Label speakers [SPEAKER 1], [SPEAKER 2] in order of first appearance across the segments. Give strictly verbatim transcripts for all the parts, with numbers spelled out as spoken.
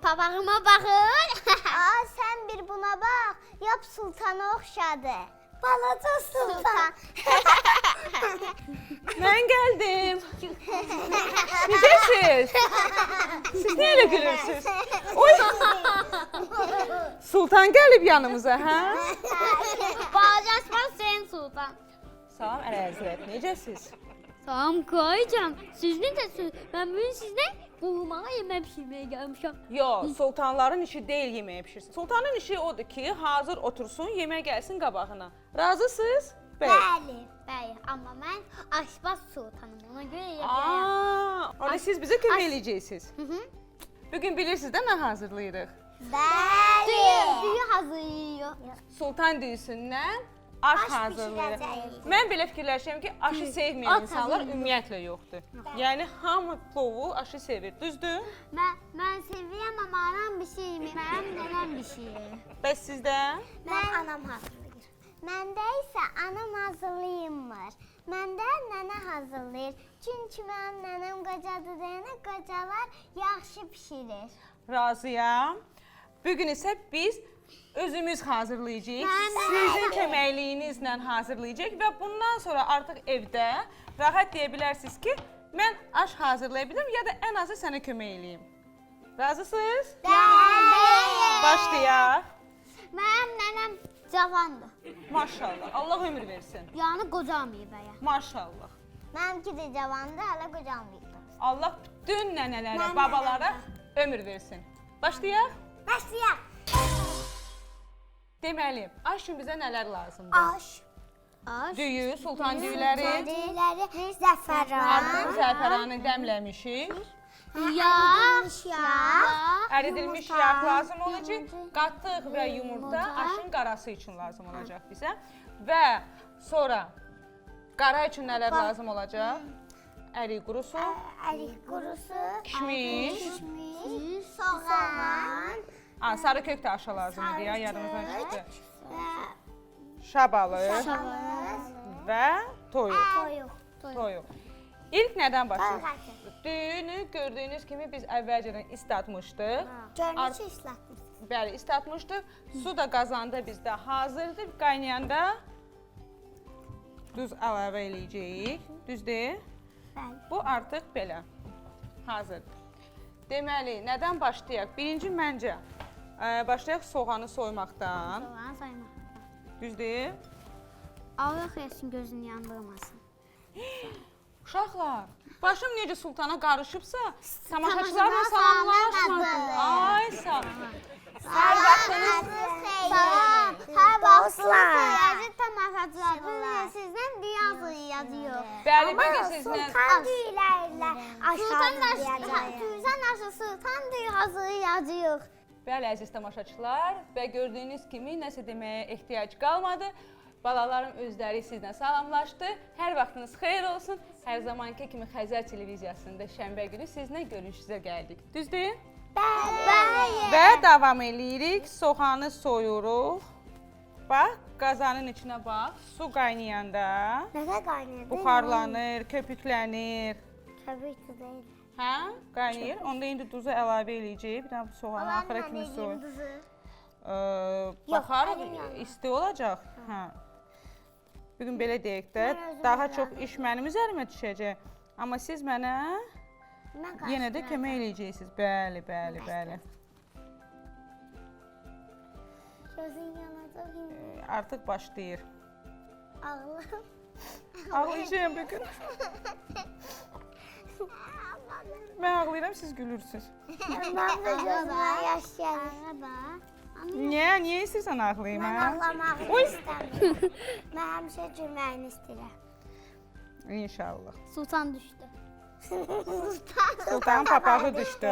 [SPEAKER 1] papağıma baxın.
[SPEAKER 2] Aa, sən bir buna bax. Yap sultana oxşadı. Balaca sultan.
[SPEAKER 3] Mən gəldim. Necəsiz? Siz niyə elə gülürsünüz? Oy! Sultan gəlib yanımıza, hə?
[SPEAKER 1] Balacaşmaz sen sultan.
[SPEAKER 3] Salam Əlahəzrət, necəsiz?
[SPEAKER 1] Salam koyacağım. Siz necəsiniz? Ben bugün sizle bulmağa yemek pişirmeye gelmişim.
[SPEAKER 3] Yox, sultanların işi deyil yeməyə pişirsin. Sultanın işi odur ki, hazır otursun, yemək gəlsin qabağına. Razısınız?
[SPEAKER 2] Bəli.
[SPEAKER 1] Bəy, amma mən aşbaz sultanım. Ona görə yeməyə.
[SPEAKER 3] Aa, ona siz bizə kömək
[SPEAKER 1] Aş-
[SPEAKER 3] eləyəcəksiniz.
[SPEAKER 1] Hı hı.
[SPEAKER 3] Bugün bilirsiniz də nə hazırlayırıq?
[SPEAKER 2] Bəli.
[SPEAKER 1] Düyü hazırlıyor.
[SPEAKER 3] Sultan düyüsündən aş
[SPEAKER 2] Aş
[SPEAKER 3] hazırlayırıq.
[SPEAKER 2] bişirəcəyik.
[SPEAKER 3] Mən belə fikirləşirəm ki, aşı sevməyən
[SPEAKER 1] At
[SPEAKER 3] insanlar
[SPEAKER 1] hazırlayın.
[SPEAKER 3] ümumiyyətlə yoxdur. Yəni hamı plovu, aşı sevir, düzdür?
[SPEAKER 1] Mən, mən sevirəm amma anam bir şey yemir. Mənim nənəm bir şey yemir.
[SPEAKER 3] Bəs sizdə?
[SPEAKER 2] Mən anam hazırlayır. Məndə isə anam hazırlayırmır. Məndə nənə hazırlayır. Çünki mənim nənəm qocadır deyənə qocalar yaxşı bişirir.
[SPEAKER 3] Razıyam. Bugün isə biz özümüz hazırlayacağıq.
[SPEAKER 1] Mən-
[SPEAKER 3] Sizin köməkliyinizlə hazırlayacağıq və bundan sonra artıq evdə rahat deyə bilərsiniz ki, mən aş hazırlaya bilirim ya da ən azı sənə kömək eləyim. Razısınız?
[SPEAKER 2] Bəli.
[SPEAKER 3] Başlayaq.
[SPEAKER 1] Mənim nənəm cavandır.
[SPEAKER 3] Maşallah. Allah ömür versin.
[SPEAKER 1] Yəni qocamayıb bəyə.
[SPEAKER 3] Maşallah.
[SPEAKER 2] Mənimki də cavandır, hələ qocamayıb.
[SPEAKER 3] Allah bütün nənələrə,
[SPEAKER 2] Nənələrə.
[SPEAKER 3] babalara ömür versin. Başlayaq.
[SPEAKER 2] Başlayaq.
[SPEAKER 3] Deməli, aş üçün bizə nələr lazımdır?
[SPEAKER 2] Aş.
[SPEAKER 1] Aş.
[SPEAKER 3] Düyü, sultan düyüləri,
[SPEAKER 2] Düyüləri, zəfəran.
[SPEAKER 3] artıq zəfəranı dəmləmişik.
[SPEAKER 1] Yağ.
[SPEAKER 2] Yağ.
[SPEAKER 3] Əridilmiş
[SPEAKER 2] Yumurta,
[SPEAKER 3] yağ lazım olacaq.
[SPEAKER 2] yumurta,
[SPEAKER 3] Qatıq və yumurta
[SPEAKER 1] yumurta.
[SPEAKER 3] aşın qarası üçün lazım olacaq bizə. Və sonra qara üçün nələr lazım olacaq? Ərik qurusu,
[SPEAKER 2] Ərik qurusu,
[SPEAKER 3] kişmiş,
[SPEAKER 2] kişmiş, soğan,
[SPEAKER 3] a, sarı kök də aşa lazım idi ya, yadımızdan çıxdı.
[SPEAKER 2] və
[SPEAKER 3] Şabalı
[SPEAKER 2] şabalıd,
[SPEAKER 3] və toyuq.
[SPEAKER 2] toyuq.
[SPEAKER 3] Toyuq. İlk nədən başlayırıq?
[SPEAKER 2] Toyuq.
[SPEAKER 3] Düyünü gördüyünüz kimi biz əvvəlcədən islatmışdıq.
[SPEAKER 2] Görünüş islatmışsın.
[SPEAKER 3] Bəli, islatmışdıq. Su da qazanda bizdə hazırdır. Qaynayanda duz əlavə eləyəcəyik. Düzdür?
[SPEAKER 2] Bəli.
[SPEAKER 3] Bu artıq belə hazırdır. Deməli, nədən başlayaq? Birinci məncə ə, başlayaq soğanı soymaqdan.
[SPEAKER 1] Soğan saymaq.
[SPEAKER 3] Düzdür?
[SPEAKER 1] Allah xeyirsin gözünü yandırmasın.
[SPEAKER 3] Uşaqlar, başım necə sultana qarışıbsa, tamaşaçılarla
[SPEAKER 2] Tamaşaçılarla
[SPEAKER 3] salamlaşmadım.
[SPEAKER 2] salamlaşmadım.
[SPEAKER 3] Ay sağ. Hər vaxtınız
[SPEAKER 2] Salam. Hər vaxtınız xeyirli tamaşaçılar. Sizdən dünya yazıyor.
[SPEAKER 3] Bəli, bugün sizlə
[SPEAKER 2] Sultan düyülərlə
[SPEAKER 1] Sultan
[SPEAKER 2] aşağı
[SPEAKER 1] aşı, Tüzən aşı sultan düyü hazırlayacağıq.
[SPEAKER 3] Bəli, əziz tamaşaçılar və gördüyünüz kimi nəsə deməyə ehtiyac qalmadı. Balalarım özləri sizlə salamlaşdı. Hər vaxtınız xeyir olsun. Hər zamanki kimi Xəzər televiziyasında şənbə günü sizinlə görüşünüzə gəldik. Düzdür?
[SPEAKER 2] Bəli.
[SPEAKER 3] Və davam eləyirik. Soğanı soyuruq. Bax, qazanın içinə bax. Su qaynayanda
[SPEAKER 2] Nəsə qaynayır?
[SPEAKER 3] buxarlanır, köpüklənir.
[SPEAKER 2] Təbii ki deyil.
[SPEAKER 3] Hə? Qaynayır. Onda indi duzu əlavə eləyəcəyik. Bir dənə bu soğanı axıra kimi soy. Baxar,
[SPEAKER 2] əlim yanır.
[SPEAKER 3] isti olacaq. Hə. Bugün belə deyək də,
[SPEAKER 2] Mən özüm
[SPEAKER 3] daha
[SPEAKER 2] öyrəndim.
[SPEAKER 3] çox iş mənim üzərimə düşəcək. Amma siz mənə
[SPEAKER 2] Mən
[SPEAKER 3] yenə də kömək eləyəcəksiniz. Bəli, bəli, bəli.
[SPEAKER 2] Gözün yanacaq indi.
[SPEAKER 3] Artıq başlayır.
[SPEAKER 2] Ağlam.
[SPEAKER 3] Ağlayacağım bugün. Mən ağlayıram, siz gülürsünüz.
[SPEAKER 2] Mən də gözümə yaş gəlir.
[SPEAKER 1] Araba.
[SPEAKER 3] Niyə? Niyə istəyirsən ağlayayım,
[SPEAKER 2] Mən
[SPEAKER 3] hə?
[SPEAKER 2] ağlamaq istəmirəm. Mən həmişə gülməyini istəyirəm.
[SPEAKER 3] İnşallah.
[SPEAKER 1] Sultan düşdü.
[SPEAKER 3] Sultanın papağı düşdü.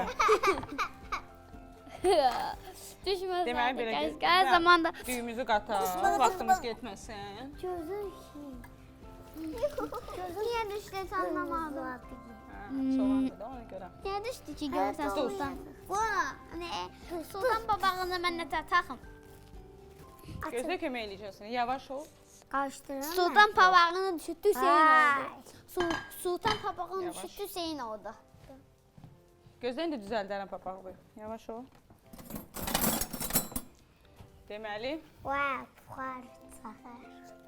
[SPEAKER 1] Düşməz.
[SPEAKER 3] Deməli belə
[SPEAKER 1] Gəl,
[SPEAKER 3] ki,
[SPEAKER 1] gəl zamanda.
[SPEAKER 3] düyümüzü qataq, vaxtımız getməsin.
[SPEAKER 2] Gözün
[SPEAKER 1] Niyə düşdü anlamadım.
[SPEAKER 3] Hə, soğandır da ona görə.
[SPEAKER 1] Niyə düşdü ki görsən
[SPEAKER 3] Duz.
[SPEAKER 1] sultan? Bu, ne? Sultan papağını mən nə taxım?
[SPEAKER 3] Gözlə kömək eləyəcəksin. Yavaş ol.
[SPEAKER 2] Qarışdırın.
[SPEAKER 1] Sultan papağını düşürdü Hüseyin
[SPEAKER 2] Vay.
[SPEAKER 1] oldu. Su- Sultan papağını
[SPEAKER 3] Yavaş.
[SPEAKER 1] düşürdü Hüseyin oldu.
[SPEAKER 3] Gözlə indi düzəldərəm papağı. Yavaş ol. Deməli,
[SPEAKER 2] Vay, buxar çaxır.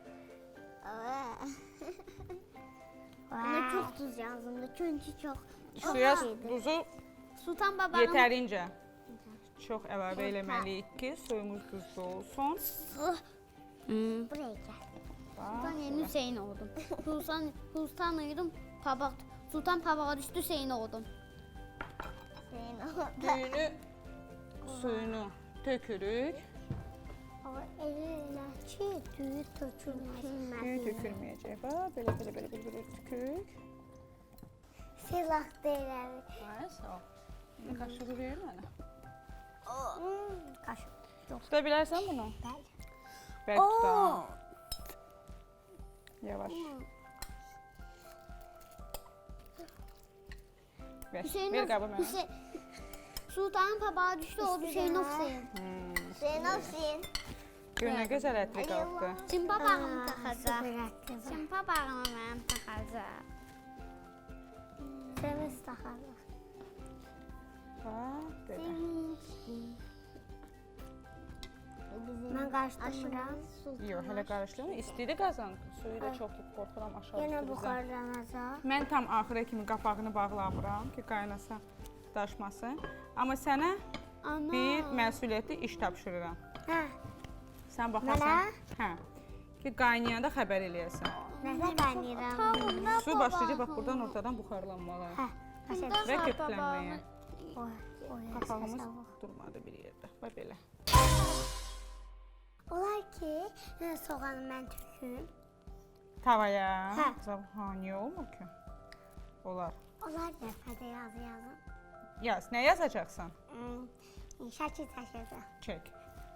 [SPEAKER 2] Buna çox duz yazıldı çünki çox.
[SPEAKER 3] suya duzu
[SPEAKER 1] Sultan babanın
[SPEAKER 3] yetərincə çox əlavə eləməliyik ki, suyumuz duzlu olsun.
[SPEAKER 2] Buraya gəl.
[SPEAKER 1] Sultan yeni Hüseyin oldum. Sultan Sultan uyudum. Pabak Sultan pabağa düştü Hüseyin oldum.
[SPEAKER 2] Senin orada.
[SPEAKER 3] Düyünü, suyunu tökürük.
[SPEAKER 2] O elə ki, düyü tökülməz.
[SPEAKER 3] Düyü tökülməyəcək. Bax, belə, belə, belə, belə, belə tükürük.
[SPEAKER 2] Silah deyirəm.
[SPEAKER 3] Ay, sağ ol. İndi qaşığı verir mənə.
[SPEAKER 2] Qaşıq.
[SPEAKER 3] Tuta bilərsən bunu?
[SPEAKER 2] Bəli.
[SPEAKER 3] Bəlkə tuta. Yavaş. Ver,
[SPEAKER 1] Hüseyin
[SPEAKER 3] ver qabı mənə.
[SPEAKER 1] Hüseyin Sultanın pabağa düştü oldu Hüseyin Hüseyin.
[SPEAKER 3] Hmm.
[SPEAKER 2] Senin olsun.
[SPEAKER 3] Gör nə gözəl ətri qalxdı.
[SPEAKER 1] Çin papağını taxacaq.
[SPEAKER 2] Sıfır
[SPEAKER 1] Çin papağını mənim taxacaq.
[SPEAKER 2] Temiz taxarlar.
[SPEAKER 3] Bax, belə.
[SPEAKER 2] Mən qarışdırmıram.
[SPEAKER 3] Yox, hələ qarışdırma. İstidi qazan. Suyu da çox qorxuram aşağı
[SPEAKER 2] Yenə
[SPEAKER 3] düşürəcək.
[SPEAKER 2] buxarlanacaq.
[SPEAKER 3] Mən tam axıra kimi qapağını bağlamıram ki, qaynasa daşmasın. Amma sənə
[SPEAKER 1] Ana.
[SPEAKER 3] bir məsuliyyətli iş tapşırıram.
[SPEAKER 2] Hə,
[SPEAKER 3] Sən baxarsan, hə, ki, qaynayanda xəbər eləyəsən.
[SPEAKER 2] nəsə qaynayıram.
[SPEAKER 1] Tavında
[SPEAKER 3] Su başlayacaq bax buradan ortadan buxarlanmağa
[SPEAKER 2] Hə, başa
[SPEAKER 1] Bundan
[SPEAKER 3] və
[SPEAKER 1] sonra
[SPEAKER 3] köklənməyə.
[SPEAKER 2] Oy, oy.
[SPEAKER 3] Qapağımız durmadı bir yerdə. Bax belə.
[SPEAKER 2] Olar ki, nə soğanı mən töküm.
[SPEAKER 3] Tavaya.
[SPEAKER 2] Hə.
[SPEAKER 3] Ha, niyə olmur ki? Olar.
[SPEAKER 2] Olar dəfədə yazı yazın.
[SPEAKER 3] Yaz, nə yazacaqsan?
[SPEAKER 2] Hmm, şəkil çəkəcəm.
[SPEAKER 3] Çək.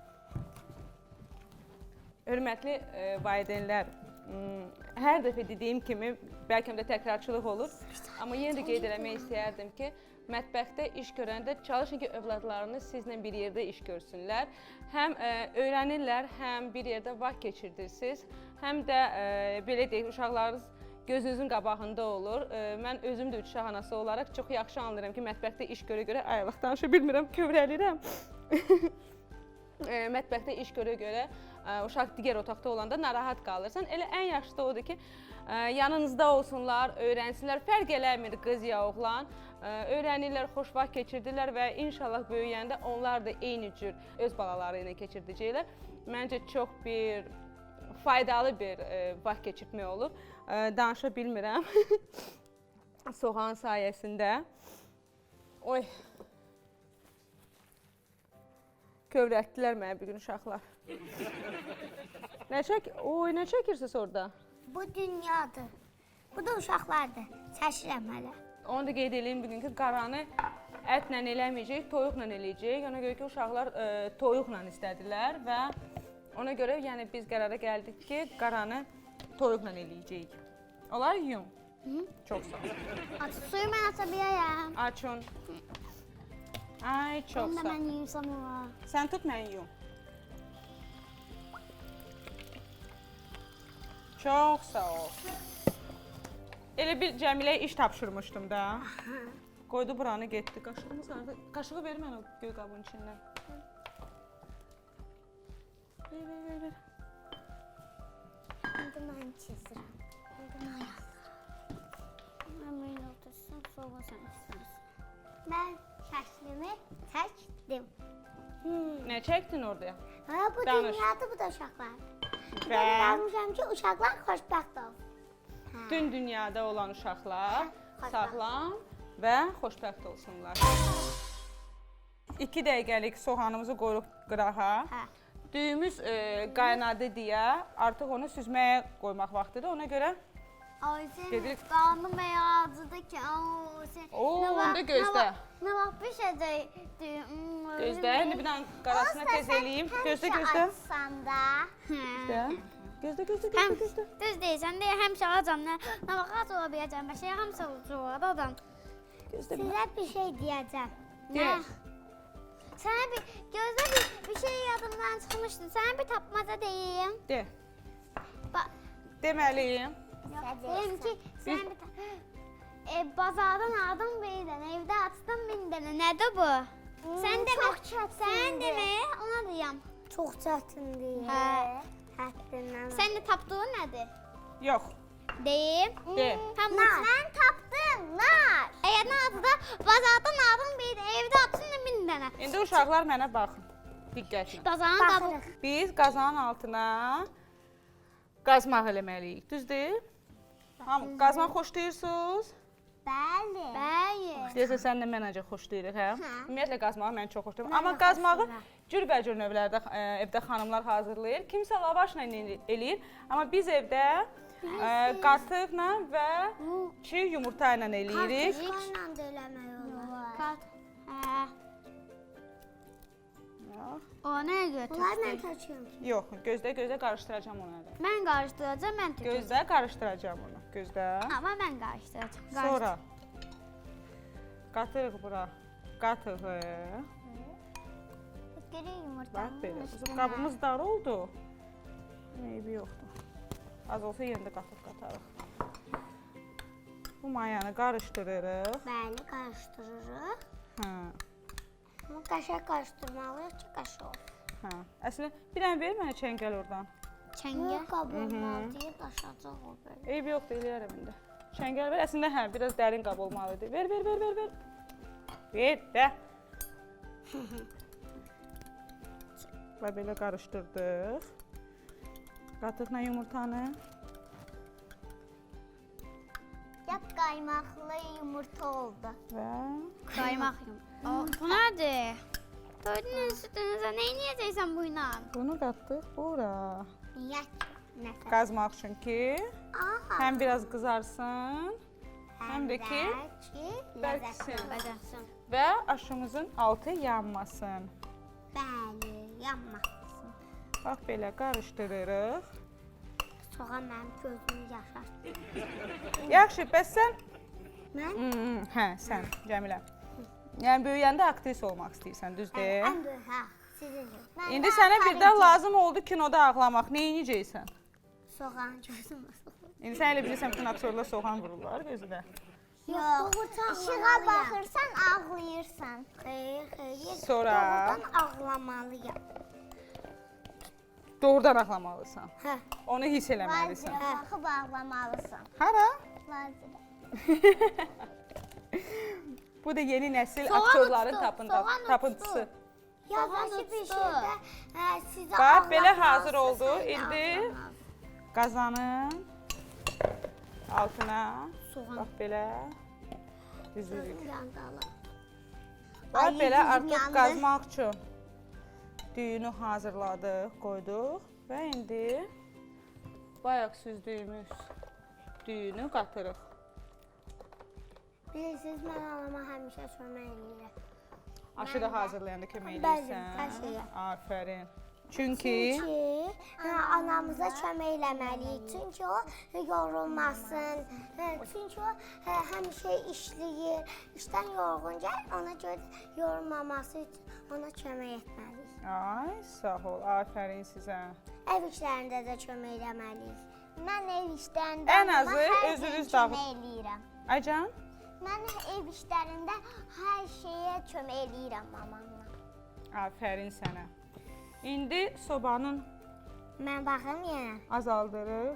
[SPEAKER 3] Hörmətli e, valideynlər, m, hər dəfə dediyim kimi, bəlkə də təkrarçılıq olur, amma yenə də qeyd eləmək istəyərdim ki, mətbəxdə iş görəndə çalışın ki, övladlarınız sizlə bir yerdə iş görsünlər. Həm e, öyrənirlər, həm bir yerdə vaxt keçirirsiniz, həm də e, belə deyək, uşaqlarınız gözünüzün qabağında olur. E, mən özüm də üç uşaq anası olaraq çox yaxşı anlayıram ki, mətbəxdə iş görə-görə ayılıq danışa bilmirəm, kövrəlirəm. e, mətbəxdə iş görə-görə e, uşaq digər otaqda olanda narahat qalırsan. Elə ən yaxşısı da odur ki, e, yanınızda olsunlar, öyrənsinlər. Fərq eləmir qız ya oğlan. E, öyrənirlər, xoş vaxt keçirdirlər və inşallah böyüyəndə onlar da eyni cür öz balaları ilə keçirdəcəklər. Məncə çox bir faydalı bir e, vaxt keçirmək olur. E, danışa bilmirəm. Soğan sayəsində. Oy. Kövrətdilər mənə bir gün uşaqlar. Nə çək? Oy, nə çəkirsiniz orada?
[SPEAKER 2] Bu dünyadır. Bu da uşaqlardır. Çəkirəm hələ.
[SPEAKER 3] Onu da qeyd edeyim bugün ki, qaranı ətlə eləməyəcək, toyuqla eləyəcək. Ona görə ki, uşaqlar e, toyuqla istədilər və ona görə yəni biz qərara gəldik ki, qaranı toyuqla eləyəcəyik. Olar yum.
[SPEAKER 1] Hı?
[SPEAKER 3] Çox sağ ol.
[SPEAKER 1] Aç suyu mən aça bilərəm.
[SPEAKER 3] Açın. Ay, çox
[SPEAKER 1] Onu da
[SPEAKER 3] sağ ol.
[SPEAKER 1] mən yuyursam olar.
[SPEAKER 3] Sən tut, mən yum. Çox sağ ol. Elə bir Cəmiləyə iş tapşırmışdım da. Qoydu buranı getdi. Qaşığımız harada? Qaşığı ver mənə o göy qabın içindən. Ver, ver, ver, ver.
[SPEAKER 2] İndi mən çizirəm. İndi mən yazıram.
[SPEAKER 1] Mən belə otursam, sonra sən istərsən.
[SPEAKER 2] Mən şəklimi çəkdim.
[SPEAKER 3] Nə çəkdin orada?
[SPEAKER 2] Ha, bu
[SPEAKER 3] Danış.
[SPEAKER 2] dünyadır, bu da uşaqlar.
[SPEAKER 3] Və
[SPEAKER 2] Ben yazmışam ki, uşaqlar xoşbəxt olsun.
[SPEAKER 3] bütün dünyada olan uşaqlar
[SPEAKER 2] Hə, xoşbəxt.
[SPEAKER 3] sağlam və xoşbəxt olsunlar. İki dəqiqəlik soğanımızı qoyuruq qırağa.
[SPEAKER 2] Hə.
[SPEAKER 3] Düyümüz e, qaynadı deyə artıq onu süzməyə qoymaq vaxtıdır. Ona görə
[SPEAKER 1] Ay sən
[SPEAKER 3] Gedirik.
[SPEAKER 1] qarnım bəyazıdır ki, oo sən.
[SPEAKER 3] Oo,
[SPEAKER 1] nə vaxt-
[SPEAKER 3] onda gözlə.
[SPEAKER 1] nə vaxt- Nə vaxt bişəcək?
[SPEAKER 3] Gözlə, indi bir dənə qarasına tez eləyim. Gözlə, gözlə.
[SPEAKER 2] Açsan da.
[SPEAKER 3] Gözlə. Gözlə, gözlə,
[SPEAKER 1] Həm
[SPEAKER 3] gözlə, gözlə.
[SPEAKER 1] düz deyirsən, deyə həmişə acam, nə, nə vaxt ac ola biləcəm, bəşə həmişə olar adam.
[SPEAKER 3] Gözlə.
[SPEAKER 2] Sizə bir şey deyəcəm.
[SPEAKER 3] De.
[SPEAKER 1] Sənə bir, gözlə bir, bir şey yadımdan çıxmışdı, sənə bir tapmaca deyim.
[SPEAKER 3] De.
[SPEAKER 1] Ba
[SPEAKER 3] Deməliyim.
[SPEAKER 1] deyim ki, sən bir ta- e, bazardan aldım bir dənə, evdə açdım min dənə, nədir bu? Sən demə,
[SPEAKER 2] çox çətindir.
[SPEAKER 1] sən demə, ona deyəm.
[SPEAKER 2] Çox çətindir.
[SPEAKER 1] Hə.
[SPEAKER 2] Həddindən.
[SPEAKER 1] Sən də tapdığın nədir?
[SPEAKER 3] Yox.
[SPEAKER 1] Deyim.
[SPEAKER 3] De.
[SPEAKER 1] Tam
[SPEAKER 2] Nar. Mən tapdım, nar.
[SPEAKER 1] Əgər nadı da bazardan aldım bir də evdə atın min dənə.
[SPEAKER 3] İndi uşaqlar mənə baxın. Diqqətlə.
[SPEAKER 1] Bazarın qabı.
[SPEAKER 2] Baxırıq.
[SPEAKER 3] Biz qazanın altına qazmaq eləməliyik. Düzdür? Hamı qazmaq xoşlayırsınız?
[SPEAKER 2] Bəli.
[SPEAKER 1] Bəli.
[SPEAKER 3] Deyəsən sən də mənəcə xoşlayırıq, hə?
[SPEAKER 2] Hə.
[SPEAKER 3] Ümumiyyətlə qazmağı mən çox xoşlayıram.
[SPEAKER 2] Mən
[SPEAKER 3] Amma
[SPEAKER 2] də
[SPEAKER 3] qazmağı
[SPEAKER 2] xoşlayıram.
[SPEAKER 3] cürbəcür növlərdə ə, evdə xanımlar hazırlayır. Kimsə lavaşla el- eləyir. Amma biz evdə ə, qatıqla və çiğ yumurta ilə eləyirik.
[SPEAKER 2] Kartuşka ilə də eləmək olar.
[SPEAKER 1] Kat. Hə.
[SPEAKER 3] Yox,
[SPEAKER 1] O nəyə görə
[SPEAKER 2] Bunlar mən
[SPEAKER 1] tökdün?
[SPEAKER 2] töküm.
[SPEAKER 3] Yox, gözlə, gözlə qarışdıracağam onu hələ.
[SPEAKER 1] Mən qarışdıracağam, mən tökəcəm.
[SPEAKER 3] Gözlə qarışdıracağam onu. Gözlə.
[SPEAKER 1] Amma mən qarışdıracağam.
[SPEAKER 3] Sonra qatırıq bura. Qatığı.
[SPEAKER 2] Geri yumurta.
[SPEAKER 3] Bax belə. Bizim qabımız dar oldu. Eybi yoxdur. Az olsa yenə də qatıq qatarıq. Bu mayanı qarışdırırıq.
[SPEAKER 2] Bəli, qarışdırırıq.
[SPEAKER 3] Hə.
[SPEAKER 2] Amma qəşəng qarışdırmalıyıq ki, qəşəng olsun.
[SPEAKER 3] Hə. Əslində bir dənə ver mənə çəngəl oradan.
[SPEAKER 1] Çəngə.
[SPEAKER 2] Yox, qab olmalıdır, daşacaq o belə.
[SPEAKER 3] Eybi yoxdur, eləyərəm indi. Çəngəl ver. Əslində hə, biraz dərin qab olmalıdır. Ver, ver, ver, ver, ver. Ver də. Və belə qarışdırdıq. Qatıqla yumurtanı.
[SPEAKER 2] Yap qaymaqlı yumurta oldu.
[SPEAKER 3] Və
[SPEAKER 1] Qaymaq yum. O, bu nədir? Gördünüz sütünüzə nə edəcəksən bu ilə?
[SPEAKER 3] bunu qatdıq bura.
[SPEAKER 2] Niyə ki? Nəsə.
[SPEAKER 3] Qazmaq üçün ki,
[SPEAKER 2] Aha.
[SPEAKER 3] həm biraz qızarsın, həm də ki,
[SPEAKER 2] ki,
[SPEAKER 3] bərksin.
[SPEAKER 2] ləzzətli
[SPEAKER 1] Bəcərsən.
[SPEAKER 3] və aşımızın altı yanmasın.
[SPEAKER 2] Bəli, yanmasın.
[SPEAKER 3] Bax belə qarışdırırıq.
[SPEAKER 2] Soğan mənim gözümü yaşartdı.
[SPEAKER 3] Yaxşı, bəs sən?
[SPEAKER 2] Mən?
[SPEAKER 3] Hmm, hə, sən, Cəmilə. Yəni böyüyəndə aktris olmaq istəyirsən, düzdür?
[SPEAKER 2] Ən böyük, hə, sizin üçün. Mən
[SPEAKER 3] İndi
[SPEAKER 2] də
[SPEAKER 3] sənə
[SPEAKER 2] aparıcı.
[SPEAKER 3] birdən lazım oldu kinoda ağlamaq. Nə edəcəksən?
[SPEAKER 2] Soğan gözümü soxulur.
[SPEAKER 3] İndi sən elə bilirsən bütün aktyorlar soğan vururlar gözünə.
[SPEAKER 2] Yox, işığa baxırsan ağlayırsan. Xeyr, xeyr.
[SPEAKER 3] Sonra?
[SPEAKER 2] Doğrudan ağlamalıyam.
[SPEAKER 3] Doğrudan ağlamalısan.
[SPEAKER 2] Hə.
[SPEAKER 3] Onu hiss eləməlisən.
[SPEAKER 2] Vazirə baxıb ağlamalısan.
[SPEAKER 3] Hara?
[SPEAKER 2] Vazirə.
[SPEAKER 3] Bu da yeni nəsil
[SPEAKER 1] Soğan
[SPEAKER 3] aktyorların
[SPEAKER 1] uçdu,
[SPEAKER 3] tapın-
[SPEAKER 1] soğan
[SPEAKER 3] tapıntısı.
[SPEAKER 1] uçdu.
[SPEAKER 2] Yavaşı bir
[SPEAKER 1] uçdu.
[SPEAKER 2] şeydə hə, sizə
[SPEAKER 3] Bax, belə
[SPEAKER 2] ağlatmalısın,
[SPEAKER 3] hazır oldu.
[SPEAKER 2] sən də
[SPEAKER 3] İndi
[SPEAKER 2] ağlamalısın.
[SPEAKER 3] qazanın altına
[SPEAKER 1] Soğan.
[SPEAKER 3] bax belə düzürük.
[SPEAKER 2] Gözüm yandı ala.
[SPEAKER 3] Bax
[SPEAKER 2] Ay,
[SPEAKER 3] belə
[SPEAKER 2] gözüm
[SPEAKER 3] artıq
[SPEAKER 2] yandı.
[SPEAKER 3] qazmaq üçün düyünü hazırladıq, qoyduq və indi bayaq süzdüyümüz düyünü qatırıq.
[SPEAKER 2] Bilirsiniz, mən anama həmişə kömək eləyirəm.
[SPEAKER 3] Aşı da hazırlayanda kömək
[SPEAKER 2] Bəli,
[SPEAKER 3] edirsən.
[SPEAKER 2] hər şeyə.
[SPEAKER 3] Afərin. Çünki
[SPEAKER 2] Çünki hə, anamıza kömək eləməliyik. Çünki o yorulmasın. Hə, çünki o hə, həmişə işləyir. İşdən yorğun gəlir, ona görə yorulmaması üçün ona kömək etməliyik.
[SPEAKER 3] ay, sağ ol, afərin sizə.
[SPEAKER 2] Ev işlərində də kömək eləməliyik. Mən ev işlərində
[SPEAKER 3] Ən
[SPEAKER 2] anama
[SPEAKER 3] azı
[SPEAKER 2] hər
[SPEAKER 3] özünüz
[SPEAKER 2] gün
[SPEAKER 3] dağıt-
[SPEAKER 2] kömək eləyirəm.
[SPEAKER 3] Aycan,
[SPEAKER 2] Mən ev işlərində hər şeyə kömək eləyirəm mamamla.
[SPEAKER 3] afərin sənə. İndi sobanın
[SPEAKER 2] Mən baxım yenə.
[SPEAKER 3] azaldırıq.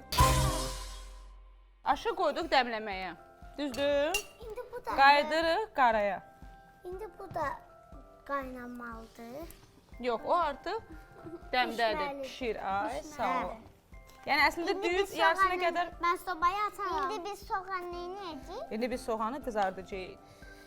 [SPEAKER 3] Aşı qoyduq dəmləməyə. Düzdür?
[SPEAKER 2] İndi bu da
[SPEAKER 3] Qaydırıq qaraya.
[SPEAKER 2] İndi bu da qaynamalıdır.
[SPEAKER 3] Yox, o artıq dəmdədir,
[SPEAKER 2] Pişməli.
[SPEAKER 3] pişir. Ay, sağ
[SPEAKER 2] Pişməli.
[SPEAKER 3] ol. Yəni əslində
[SPEAKER 2] İndi
[SPEAKER 3] düyün
[SPEAKER 2] biz
[SPEAKER 3] yarısına
[SPEAKER 2] soğanı-
[SPEAKER 3] qədər
[SPEAKER 1] Mən sobaya atarım.
[SPEAKER 2] İndi biz soğan nə edəcəyik?
[SPEAKER 3] indi biz soğanı qızardacağıq.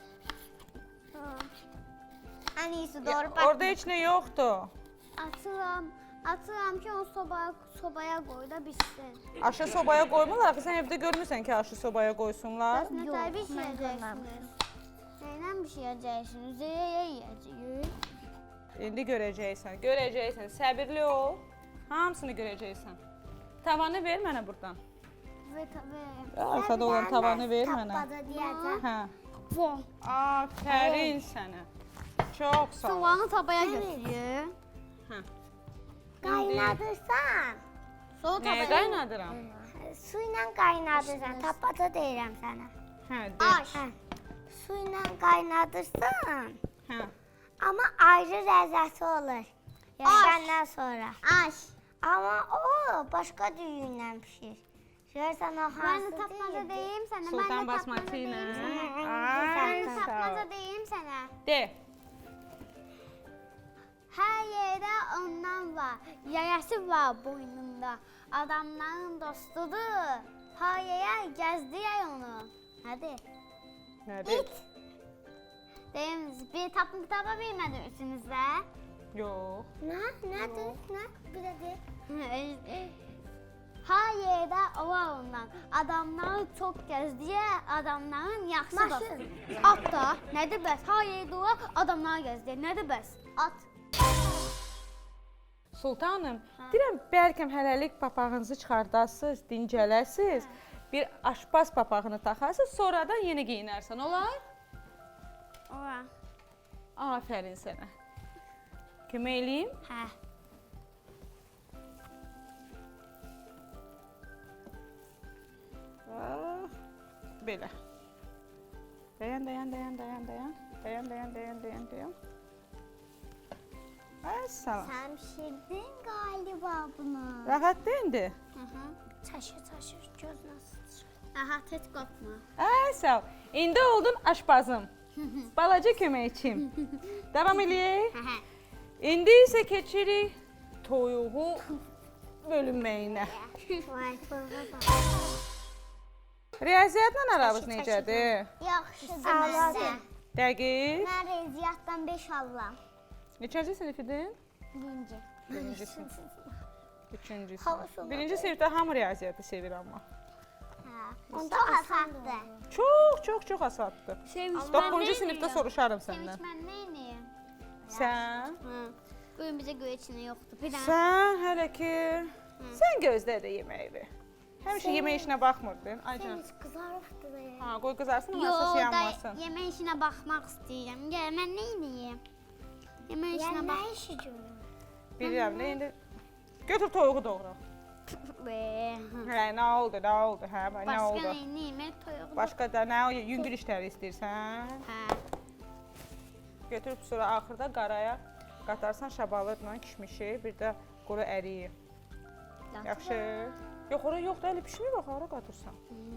[SPEAKER 2] Ən iyisi
[SPEAKER 3] Ya,
[SPEAKER 2] doğru bax.
[SPEAKER 3] Orada heç nə yoxdur.
[SPEAKER 1] Atıram. Atıram ki, onu sobaya, sobaya qoy da bitsin.
[SPEAKER 3] Aşı sobaya qoymurlar ki, sən evdə görmürsən ki, aşı sobaya qoysunlar.
[SPEAKER 1] Nə tər bişirəcəksiniz? Nəylə bişirəcəksiniz? Üzəyə yeyəcəyik.
[SPEAKER 3] İndi görəcəksən, görəcəksən. Səbirli ol. Hamısını görəcəksən. Tavanı ver mənə burdan.
[SPEAKER 1] Və və.
[SPEAKER 3] Arxada olan tavanı ver mənə.
[SPEAKER 2] Tappada deyəcəm.
[SPEAKER 3] Hə.
[SPEAKER 1] Von.
[SPEAKER 3] Afərin sənə. Çox sağ ol.
[SPEAKER 1] Soğanı tabaya götürür.
[SPEAKER 3] Hə.
[SPEAKER 2] Qaynadırsan.
[SPEAKER 1] Sonra
[SPEAKER 3] Nəyə
[SPEAKER 1] tabaya.
[SPEAKER 3] qaynadıram?
[SPEAKER 2] Su ilə qaynadırsan. Tappada deyirəm sənə.
[SPEAKER 3] Hə, de.
[SPEAKER 1] Aş.
[SPEAKER 2] Hə. Su ilə qaynadırsan.
[SPEAKER 3] Hə.
[SPEAKER 2] Amma ayrı ləzzəti olur. Yaşandan sonra. Aş. Ama o başka düğündən pişir. Görürsən o hansı
[SPEAKER 1] Ben de tapmaca deyim sana. Ben
[SPEAKER 3] Sultan
[SPEAKER 1] de tapmaca
[SPEAKER 3] basmati
[SPEAKER 1] deyim
[SPEAKER 3] ilə.
[SPEAKER 1] sana.
[SPEAKER 3] Ay,
[SPEAKER 1] Ben de
[SPEAKER 3] sağ ol.
[SPEAKER 1] tapmaca deyim sana.
[SPEAKER 3] De.
[SPEAKER 1] Her yerde ondan var. Yayası var boynunda. Adamların dostudur. Her yere gezdiler onu. Hadi.
[SPEAKER 3] Nədir?
[SPEAKER 1] Deyim, bir tapım kitaba bilmedirsiniz de.
[SPEAKER 3] Yox.
[SPEAKER 2] Nə? Nədir? Nə? Bir də de.
[SPEAKER 1] Her yerde var ondan. Adamlar çok gezdiler. Adamların yaxşı
[SPEAKER 2] Maşın.
[SPEAKER 1] dostu. At da. Nedir bəs? Her yerde var. Adamlar gezdiler. Nedir bəs? At.
[SPEAKER 3] Sultanım, deyirəm bəlkəm hələlik papağınızı çıxardasınız, dincələsiz. Bir aşpaz papağını taxarsınız, sonradan yeni geyinərsən, olar?
[SPEAKER 1] Ora.
[SPEAKER 3] Afərin sənə. Kömək eləyim?
[SPEAKER 1] Hə.
[SPEAKER 3] Ah, belə. Dayan, dayan, dayan, dayan, dayan. Dayan, dayan, dayan, dayan, dayan. Ay, salam.
[SPEAKER 2] Sən pişirdin galiba bunu.
[SPEAKER 3] Rahat deyildi.
[SPEAKER 1] Hı hı.
[SPEAKER 2] Taşır taşır göz nasıl?
[SPEAKER 1] Aha, tez qopma.
[SPEAKER 3] Ay, sağ ol. İndi oldun aşpazım. Balaca köməkçim. Davam eləyək.
[SPEAKER 1] Hə, hə.
[SPEAKER 3] İndi isə keçirik toyuğu bölünməyinə.
[SPEAKER 2] Vay baba.
[SPEAKER 3] Riyaziyyatla aramız necədir?
[SPEAKER 2] Yaxşıdır mənə.
[SPEAKER 3] Dəqiq.
[SPEAKER 2] Mən riyaziyyatdan beş alıram.
[SPEAKER 3] Neçənci sinif idin?
[SPEAKER 2] Birinci.
[SPEAKER 3] Birinci sinif. Üçüncü
[SPEAKER 2] Hava
[SPEAKER 3] sinif.
[SPEAKER 2] soğudu.
[SPEAKER 3] Birinci sinifdə hamı riyaziyyatı sevir amma.
[SPEAKER 2] Hə. Onda asandır.
[SPEAKER 3] Çox, çox, çox asaddır.
[SPEAKER 1] Sevinç
[SPEAKER 3] Doqquncu sinifdə soruşarım
[SPEAKER 1] Sevinç
[SPEAKER 3] səndən.
[SPEAKER 1] mən neyniyim?
[SPEAKER 3] Sən?
[SPEAKER 1] Hı. Bugün bizə göy içində yoxdur. Bir dənə.
[SPEAKER 3] Sən hələ ki, sən gözlə də yeməyi. Həmişə yemək işinə baxmırdın. Ay canım.
[SPEAKER 2] Sevinç qızarıbdır da.
[SPEAKER 3] Ha, qoy qızarsın amma
[SPEAKER 1] Yo,
[SPEAKER 3] əsas
[SPEAKER 1] da
[SPEAKER 3] yanmasın.
[SPEAKER 1] yemək işinə baxmaq istəyirəm. Gəl, mən neyniyim? Yemək işinə
[SPEAKER 2] Yəni
[SPEAKER 1] bax.
[SPEAKER 2] nə işi görür?
[SPEAKER 3] Bilirəm, nə indi götür toyuğu doğra.
[SPEAKER 1] Be.
[SPEAKER 3] Hə, nə oldu, nə oldu, hə, nə
[SPEAKER 1] Başqa
[SPEAKER 3] oldu?
[SPEAKER 1] neyniyim? Mən toyuğu.
[SPEAKER 3] Başqa da nə, yüngül işləri istəyirsən?
[SPEAKER 1] Hə.
[SPEAKER 3] Götürüb sonra axırda qaraya qatarsan şabalıqla kişmişi, bir də quru əriyi. Yaxşı. Yox, ora yox da, elə pişmir bax, ora qatırsan.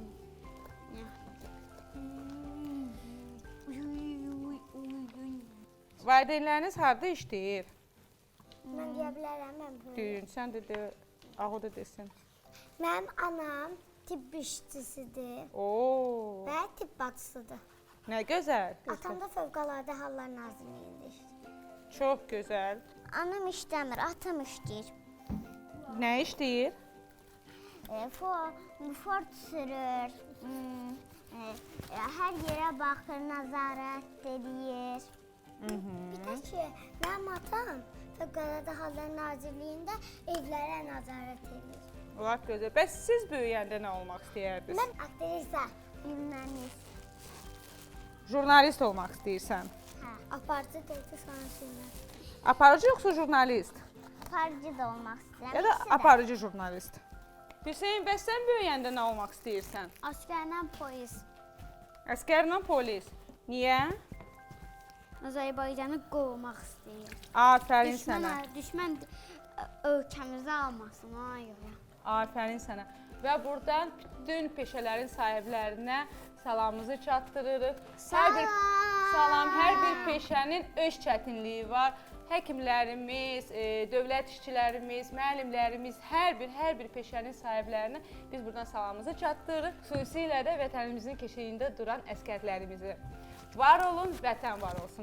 [SPEAKER 3] Valideynləriniz harda işləyir?
[SPEAKER 2] Mən deyə bilərəm, mən bunu.
[SPEAKER 3] Düyün, sən də de, ağı da desin.
[SPEAKER 2] Mənim anam tibb işçisidir
[SPEAKER 3] Oo,
[SPEAKER 2] və tibb bacısıdır.
[SPEAKER 3] nə gözəl.
[SPEAKER 2] Atam da Fövqəladə Hallar Nazirliyində işləyir.
[SPEAKER 3] Çox gözəl.
[SPEAKER 2] Anam işləmir, atam işləyir.
[SPEAKER 3] Nə işləyir?
[SPEAKER 2] E, for, Ford sürür, hmm, e, e, hər yerə baxır, nəzarət edir. Bir də ki, mənim atam Fövqəladə Hallar Nazirliyində evlərə nəzarət edir.
[SPEAKER 3] Olar gözəl. Bəs siz böyüyəndə nə olmaq istəyərdiniz?
[SPEAKER 2] Mən aktrisa, jurnalist.
[SPEAKER 3] Jurnalist olmaq istəyirsən.
[SPEAKER 2] Hə, aparıcı deyildi sonra jurnalist.
[SPEAKER 3] Aparıcı yoxsa jurnalist?
[SPEAKER 2] Aparıcı da olmaq istəyirəm.
[SPEAKER 3] Ya da
[SPEAKER 2] ikisi də.
[SPEAKER 3] aparıcı jurnalist. Hüseyn, bəs sən böyüyəndə nə olmaq istəyirsən?
[SPEAKER 1] Askerlə polis.
[SPEAKER 3] Əskərlə polis. Niyə?
[SPEAKER 1] Azərbaycanı qorumaq istəyir.
[SPEAKER 3] Afərin
[SPEAKER 1] Düşmən,
[SPEAKER 3] sənə.
[SPEAKER 1] düşmən ə, ölkəmizi almasın ona görə.
[SPEAKER 3] Afərin sənə. Və buradan bütün peşələrin sahiblərinə salamımızı çatdırırıq. Hər bir salam, hər bir peşənin öz çətinliyi var. Həkimlərimiz, e, dövlət işçilərimiz, müəllimlərimiz, hər bir hər bir peşənin sahiblərinə biz buradan salamımızı çatdırırıq. Xüsusilə də vətənimizin keşiyində duran əskərlərimizi. Var olun, vətən var olsun.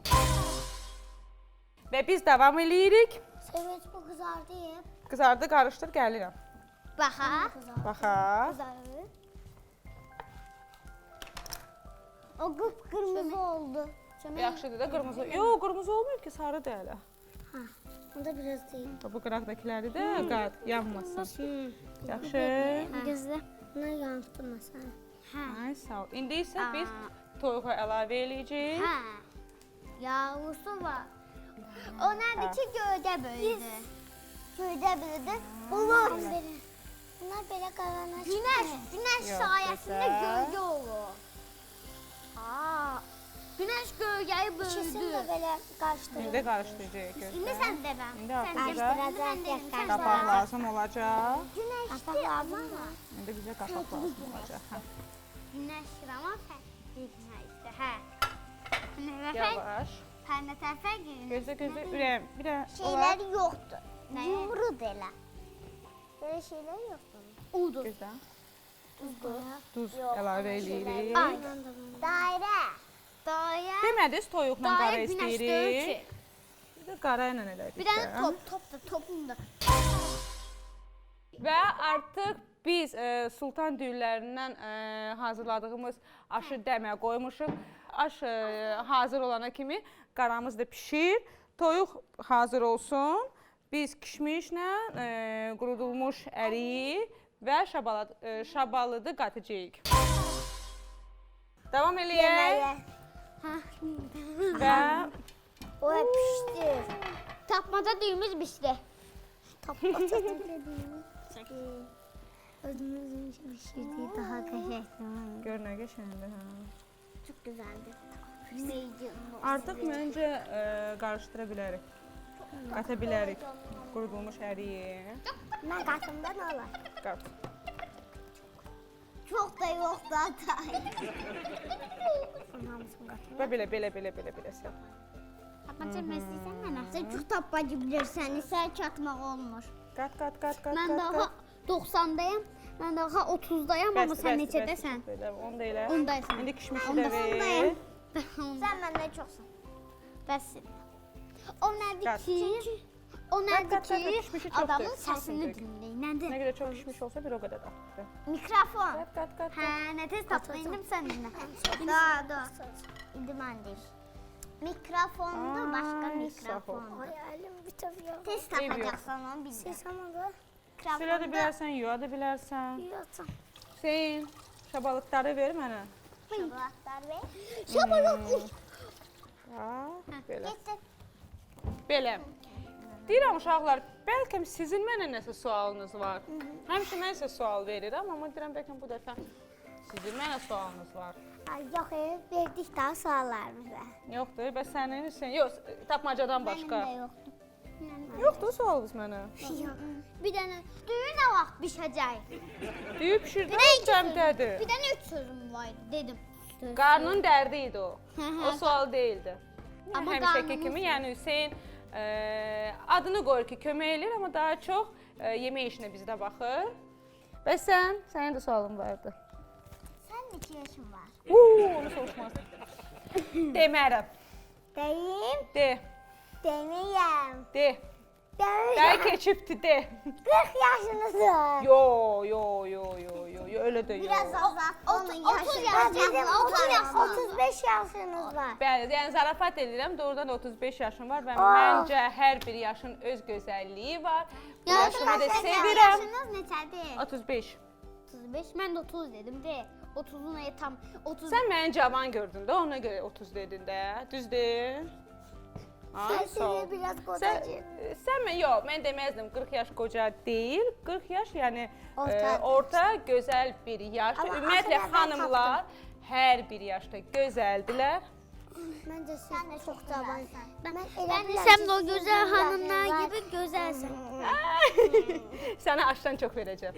[SPEAKER 3] Və biz davam eləyirik.
[SPEAKER 2] Sevinç bu qızardıyıb.
[SPEAKER 3] Qızardı, qarışdır, gəlirəm.
[SPEAKER 1] Baxa.
[SPEAKER 3] Baxa.
[SPEAKER 1] Qızarır.
[SPEAKER 2] O qıpqırmızı oldu.
[SPEAKER 3] Yaxşıdır da qırmızı. Yox, qırmızı olmayıb ki, sarıdır hələ.
[SPEAKER 2] Ha, onda biraz değil.
[SPEAKER 3] Bu qıraqdakiləri də qat, yanmasın. Yaxşı.
[SPEAKER 1] Gözlə.
[SPEAKER 2] Buna yansıtma sən.
[SPEAKER 1] Hə.
[SPEAKER 3] Ay, sağ ol. İndi isə biz toyuğu əlavə eləyəcəyik.
[SPEAKER 1] Hə. Yavrusu var. O nədir ki, göydə böyüdü.
[SPEAKER 2] Göydə böyüdü. Bunlar Bunlar belə qarana
[SPEAKER 1] Günəş, günəş
[SPEAKER 3] Yox,
[SPEAKER 1] sayəsində
[SPEAKER 3] gözəl.
[SPEAKER 1] göldə olur. Aa, Günəş gölgəyi
[SPEAKER 2] İkisini
[SPEAKER 1] böldü.
[SPEAKER 2] də belə qarışdırır.
[SPEAKER 3] İndi qarışdıracağıq
[SPEAKER 1] İndi
[SPEAKER 3] gözlə.
[SPEAKER 1] sən də mən.
[SPEAKER 3] İndi
[SPEAKER 1] Sən
[SPEAKER 3] artıq
[SPEAKER 1] də
[SPEAKER 3] bizə
[SPEAKER 2] Qarışdıracaq,
[SPEAKER 3] qapaq lazım olacaq.
[SPEAKER 2] Günəşli amma.
[SPEAKER 3] İndi bizə qapaq lazım olacaq. Hə.
[SPEAKER 1] Günəş rama fərqli günəşdə. Hə. Nə fərq?
[SPEAKER 3] Yavaş.
[SPEAKER 1] Hə, nə fərq?
[SPEAKER 3] Gözlə, gözlə, ürəyim. Bir də olar.
[SPEAKER 2] Şeylər yoxdur.
[SPEAKER 1] Nə?
[SPEAKER 2] Yumruq elə. Belə şeylər yoxdur.
[SPEAKER 1] Udur.
[SPEAKER 3] Gözlə.
[SPEAKER 2] Tuzdur.
[SPEAKER 3] Duz əlavə eləyirik.
[SPEAKER 1] Ay.
[SPEAKER 2] Dairə.
[SPEAKER 1] Dayə.
[SPEAKER 3] Demədiz toyuqla qara
[SPEAKER 1] Dayə günəş deyil
[SPEAKER 3] istəyirik.
[SPEAKER 1] ki.
[SPEAKER 3] Bir də qara ilə elədik.
[SPEAKER 1] Bir dənə top, top da, topun da.
[SPEAKER 3] Və artıq biz e, sultan düyülərindən e, hazırladığımız aşı dəmə qoymuşuq. Aş e, hazır olana kimi qaramız da pişir. Toyuq hazır olsun. Biz kişmişlə e, qurudulmuş əriyi və şabalad, e, şabalıdı qatacağıq. Davam eləyək. Və
[SPEAKER 2] O pişdi.
[SPEAKER 1] Tapmaca düyümüz pişdi.
[SPEAKER 2] Tapmaca Özümüzün pişirdiği daha qəşəngdir.
[SPEAKER 3] gör nə qəşəngdir. Hə.
[SPEAKER 2] Çox gözəldir.
[SPEAKER 3] Artıq məncə e, qarışdıra bilərik. Qata bilərik qurudulmuş əriyi.
[SPEAKER 2] Mən qatımda nə olar?
[SPEAKER 3] Qat.
[SPEAKER 2] Çox da yox zaten. Hamısını qatım.
[SPEAKER 3] Və belə, belə, belə, belə, belə sən.
[SPEAKER 1] Tapmaca məsləysən mənə.
[SPEAKER 2] Sən çox tapmacı bilirsən, isə çatmaq olmur.
[SPEAKER 3] Qat, qat, qat, qat,
[SPEAKER 1] Mən
[SPEAKER 3] qat,
[SPEAKER 1] daha
[SPEAKER 3] qat.
[SPEAKER 1] doxsandayam. Mən daha otuzdayam, amma
[SPEAKER 3] Bəsdir,
[SPEAKER 1] sən
[SPEAKER 3] bəsdir,
[SPEAKER 1] neçədəsən?
[SPEAKER 3] bəsdir, belə, onu da elə.
[SPEAKER 1] Ondaysan.
[SPEAKER 3] İndi kişmişi
[SPEAKER 1] Onda
[SPEAKER 3] də ver.
[SPEAKER 1] ondayam.
[SPEAKER 2] Sən məndən çoxsan.
[SPEAKER 1] Bəs. O nədir
[SPEAKER 3] Qat.
[SPEAKER 1] ki? O
[SPEAKER 3] Qat,
[SPEAKER 1] nədir
[SPEAKER 3] qat, qat,
[SPEAKER 1] ki?
[SPEAKER 3] kişmişi çoxdur.
[SPEAKER 1] Adamın
[SPEAKER 3] Çox
[SPEAKER 1] səsini
[SPEAKER 3] söndük.
[SPEAKER 1] dinləyin.
[SPEAKER 3] Nə
[SPEAKER 1] Nədir?
[SPEAKER 3] qədər çox kişmiş olsa bir o qədər də.
[SPEAKER 2] Mikrofon.
[SPEAKER 3] Qat, qat, qat.
[SPEAKER 1] Hə, nə tez tapdın, indi sən dinlə.
[SPEAKER 2] Da, da. İndi mən deyim. Mikrofondur, başqa
[SPEAKER 3] Ay,
[SPEAKER 2] mikrofon.
[SPEAKER 3] sağ ol.
[SPEAKER 2] Ay, əlim bitəbiyor. Tez
[SPEAKER 3] Eyb yox.
[SPEAKER 2] tapacaqsan onu bildə. Sesamadı.
[SPEAKER 3] Silə də bilərsən, yuya da bilərsən.
[SPEAKER 2] Yiyatım.
[SPEAKER 3] Hüseyin, şabalıqları ver mənə.
[SPEAKER 2] Şabalatlar ver.
[SPEAKER 3] Ha, belə.
[SPEAKER 2] Getdi.
[SPEAKER 3] Belə. Deyirəm uşaqlar, bəlkə sizin mənə nəsə sualınız var. Həmişə mən sizə sual verirəm, amma deyirəm bəlkə bu dəfə sizin mənə sualınız var.
[SPEAKER 2] Ay, yox, e, verdik daha suallarımıza.
[SPEAKER 3] Yoxdur, bəs sənin Hüseyin, yox, tapmacadan başqa.
[SPEAKER 2] Mənim də yoxdur.
[SPEAKER 3] Yoxdur sualınız mənə.
[SPEAKER 1] Bir dənə düyü nə vaxt bişəcək?
[SPEAKER 3] Düyü pişirdim, cəmdədir.
[SPEAKER 1] Bir dənə üç sözüm var idi, dedim.
[SPEAKER 3] Qarnın dərdi idi o.
[SPEAKER 1] Hı hı.
[SPEAKER 3] O sual deyildi.
[SPEAKER 1] Amma
[SPEAKER 3] Həmişəki
[SPEAKER 1] qarnımız-
[SPEAKER 3] kimi, yəni Hüseyin e, adını qoyur ki, kömək eləyir, amma daha çox e, yemək işinə bizdə baxır. Bəs sən? Sənin də sualın vardı.
[SPEAKER 2] Sən neçə yaşın var?
[SPEAKER 3] Uuu, onu soruşmaz. Demərəm.
[SPEAKER 2] Deyim,
[SPEAKER 3] De,
[SPEAKER 2] deməyəm.
[SPEAKER 3] de.
[SPEAKER 2] Deyim.
[SPEAKER 3] Dəy keçibdi, de.
[SPEAKER 2] qırx yaşınızdır.
[SPEAKER 3] Yo, yo, yo, yo, yo, yo, öyle de yo.
[SPEAKER 2] Biraz azalt. Onun
[SPEAKER 1] otuz
[SPEAKER 2] yaşı.
[SPEAKER 1] yaş-
[SPEAKER 2] Dedim,
[SPEAKER 1] otuz
[SPEAKER 2] otuz
[SPEAKER 1] yaş-
[SPEAKER 2] otuz beş yaşınız var.
[SPEAKER 3] Bəli, yəni zarafat edirəm. Doğrudan da otuz beş yaşım var və
[SPEAKER 2] Oh.
[SPEAKER 3] məncə hər bir yaşın öz gözəlliyi var. Bu
[SPEAKER 1] Ya,
[SPEAKER 3] yaşımı da
[SPEAKER 1] başqa
[SPEAKER 3] sevirəm.
[SPEAKER 1] Yaşınız neçədir?
[SPEAKER 3] otuz beş.
[SPEAKER 1] otuz beş, mən də otuz dedim, de. otuzun ayı tam otuz.
[SPEAKER 3] Sən məni cavan gördün də, ona görə otuz dedin də. Düzdür? Ha,
[SPEAKER 2] Sən
[SPEAKER 3] sağ ol.
[SPEAKER 2] sizi biraz
[SPEAKER 3] Sən,
[SPEAKER 2] qocacı.
[SPEAKER 3] sən mən yox, mən deməzdim qırx yaş qoca deyil. qırx yaş yəni
[SPEAKER 2] Orta.
[SPEAKER 3] e, orta gözəl bir yaşdır.
[SPEAKER 2] Amma
[SPEAKER 3] Ümumiyyətlə
[SPEAKER 2] axırda mən
[SPEAKER 3] xanımlar hər bir yaşda gözəldilər.
[SPEAKER 2] Məncə sən çox cavansan. Mən
[SPEAKER 1] Ben isem de o güzel hanımlar gibi güzelsin.
[SPEAKER 3] Sənə aşdan çox verəcəm.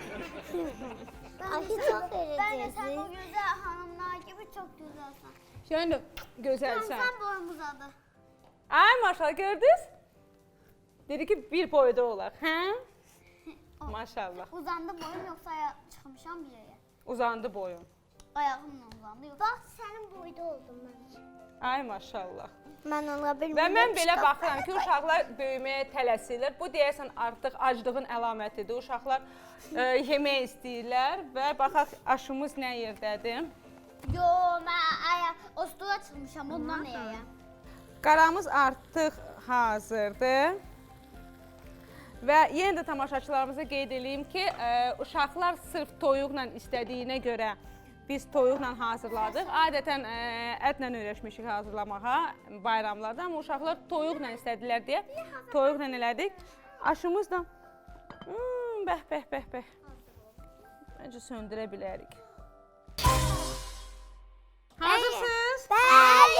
[SPEAKER 2] Aşı çox verəcəksin.
[SPEAKER 1] güzel hanımlar gibi çok güzelsin.
[SPEAKER 3] Yəni gözəlsən.
[SPEAKER 1] Sen boyun uzadı.
[SPEAKER 3] Ay maşallah gördünüz? Dedi ki bir boyda olaq, hə? Maşallah.
[SPEAKER 1] Uzandı boyum yoksa aya çıkmışam bir yere.
[SPEAKER 3] Uzandı boyun.
[SPEAKER 1] Ayağımla uzandı yoksa.
[SPEAKER 2] Bax, sənin boyda oldum mən.
[SPEAKER 3] Ay maşallah.
[SPEAKER 2] Mən ola
[SPEAKER 3] Və
[SPEAKER 2] bilmirəm.
[SPEAKER 3] mən belə baxıram ki, uşaqlar böyüməyə tələsirlər. Bu deyəsən artıq aclığın əlamətidir. Uşaqlar e, yemək istəyirlər və baxaq aşımız nə yerdədir.
[SPEAKER 1] Yo ben aya o stola çıkmışam ondan ne ya?
[SPEAKER 3] Qaramız artıq hazırdır. Və yenə də tamaşaçılarımıza qeyd edeyim ki, e, uşaqlar sırf toyuqla istədiyinə görə biz toyuqla hazırladıq. Adətən e, ətlə öyrəşmişik hazırlamağa bayramlarda, amma uşaqlar toyuqla istədilər deyə toyuqla elədik. Aşımız da hmm, bəh, bəh, bəh, bəh. Məncə söndürə bilərik. Hazırsınız?
[SPEAKER 2] Bəli.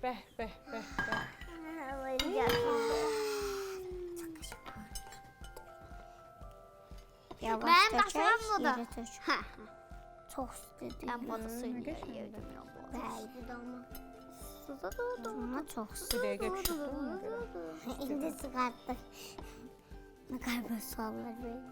[SPEAKER 3] Bəh, bəh, bəh, bəh.
[SPEAKER 2] Yavaş
[SPEAKER 1] Mənim
[SPEAKER 2] dökək,
[SPEAKER 1] daşıram budur.
[SPEAKER 2] iri tök.
[SPEAKER 1] Hə.
[SPEAKER 2] Çox istədim.
[SPEAKER 1] Mən bunu
[SPEAKER 3] Nə
[SPEAKER 1] suyla
[SPEAKER 3] qəşəng.
[SPEAKER 1] yedim.
[SPEAKER 2] Bəy, bu da ama.
[SPEAKER 1] Suda da
[SPEAKER 2] Ama çox
[SPEAKER 3] Bir
[SPEAKER 2] istədim.
[SPEAKER 3] dəqiqə pişirdim ona görə.
[SPEAKER 2] İndi çıxartdık. Ne kadar suallar böyle.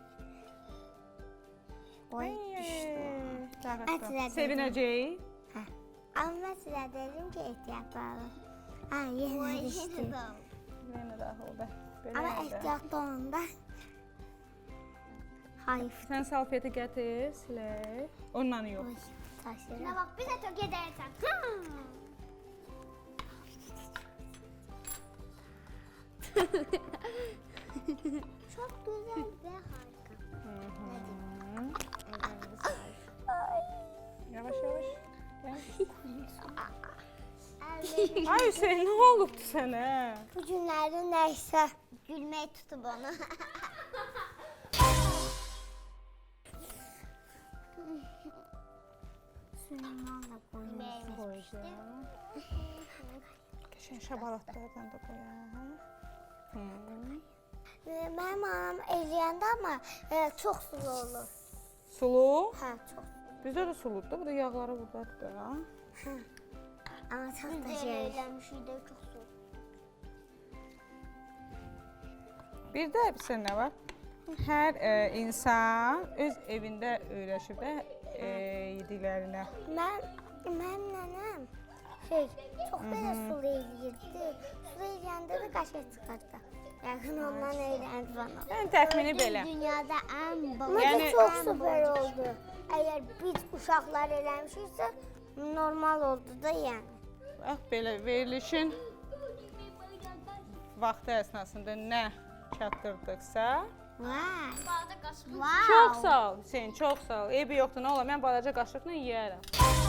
[SPEAKER 2] Oy düştü. Atilla
[SPEAKER 3] Sevinəcək.
[SPEAKER 2] Ama ben size dedim ki ehtiyatlı olun. Ha yine düştü.
[SPEAKER 3] Yenə də o bəh. Belə
[SPEAKER 2] Ama
[SPEAKER 3] də.
[SPEAKER 2] ehtiyatlı olun da. Hayır.
[SPEAKER 3] Sən salfeti gətir, silək. Ondan yox.
[SPEAKER 2] Oy taşıra.
[SPEAKER 1] Ne bak bize çok edersen.
[SPEAKER 2] Çok güzel ve harika.
[SPEAKER 3] Yavaş yavaş.
[SPEAKER 2] Ellerim-
[SPEAKER 3] Ay Hüseyin, nə olubdu sənə?
[SPEAKER 2] Bu günlerde neyse. Gülmeyi tutup onu. Süleyman'la koyayım.
[SPEAKER 3] Qoyacağım. Qəşəng şabalatlardan da qoyaq. Hı.
[SPEAKER 2] Ee, Benim anam eləyəndə ama e, çok sulu olur.
[SPEAKER 3] Sulu.
[SPEAKER 2] Ha çok.
[SPEAKER 3] Bizdə də suludur da, bu da yağları burdadır da.
[SPEAKER 2] Ama çok da şey.
[SPEAKER 1] Eğlenmişiydi çok su.
[SPEAKER 3] Bir də bir sən nə var? Hər e, insan öz evində öyrəşib də e, yediklərinə.
[SPEAKER 2] Ben, benim nenem şey çok böyle sulu eləyirdi. Sulu eləyəndə de kaşık çıkardı. Yakın ondan eğlendi bana.
[SPEAKER 3] Yəni təxmini belə.
[SPEAKER 2] Dünyada en baba.
[SPEAKER 3] Yani-
[SPEAKER 2] Yani, çok süper oldu. Eğer biz uşaqlar eləmişiksə normal oldu da yani.
[SPEAKER 3] Bax belə verilişin vaxtı əsnasında nə çatdırdıqsa.
[SPEAKER 2] Vay.
[SPEAKER 1] Bağda kaçmış.
[SPEAKER 2] Wow.
[SPEAKER 3] Çox sağ ol Hüseyin, çox sağ ol. Eybi yoxdur, nə olar, mən balaca qaşıqla yeyərəm.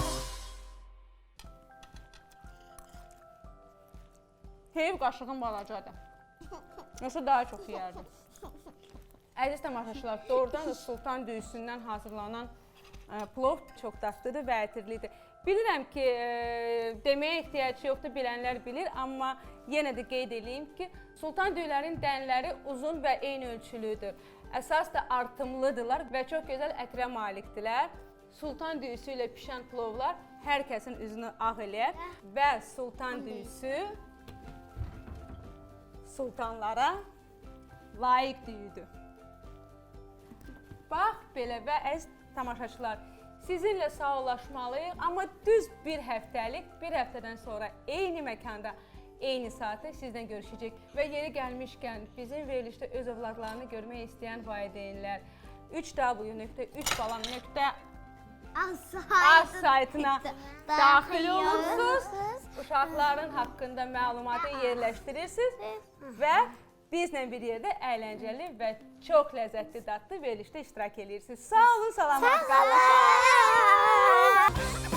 [SPEAKER 3] Heyv qaşığım balacadır. Yoxsa daha çox yeyərdim. Əziz tamaşaçılar, doğrudan da sultan düyüsündən hazırlanan ə, plov çox dadlıdır və ətirlidir. Bilirəm ki, e, deməyə ehtiyac yoxdur, bilənlər bilir, amma yenə də qeyd edeyim ki, sultan düyülərin dənləri uzun və eyni ölçülüdür. Əsas da artımlıdırlar və çox gözəl ətrə malikdirlər. Sultan düyüsü ilə pişən plovlar hər kəsin üzünü ağ eləyər və sultan düyüsü sultanlara layiq düyüdür. Bax belə və əziz tamaşaçılar, sizinlə sağollaşmalıyıq, amma düz bir həftəlik, bir həftədən sonra eyni məkanda, eyni saatda sizdən görüşəcək və yeri gəlmişkən bizim verilişdə öz övladlarını görmək istəyən valideynlər üç w nöqtə üç balam nöqtə az saytına daxil olursunuz, uşaqların haqqında məlumatı yerləşdirirsiniz və bizlə bir yerdə əyləncəli və çox ləzzətli dadlı verilişdə iştirak edirsiniz. Sağ olun, salamat qalın.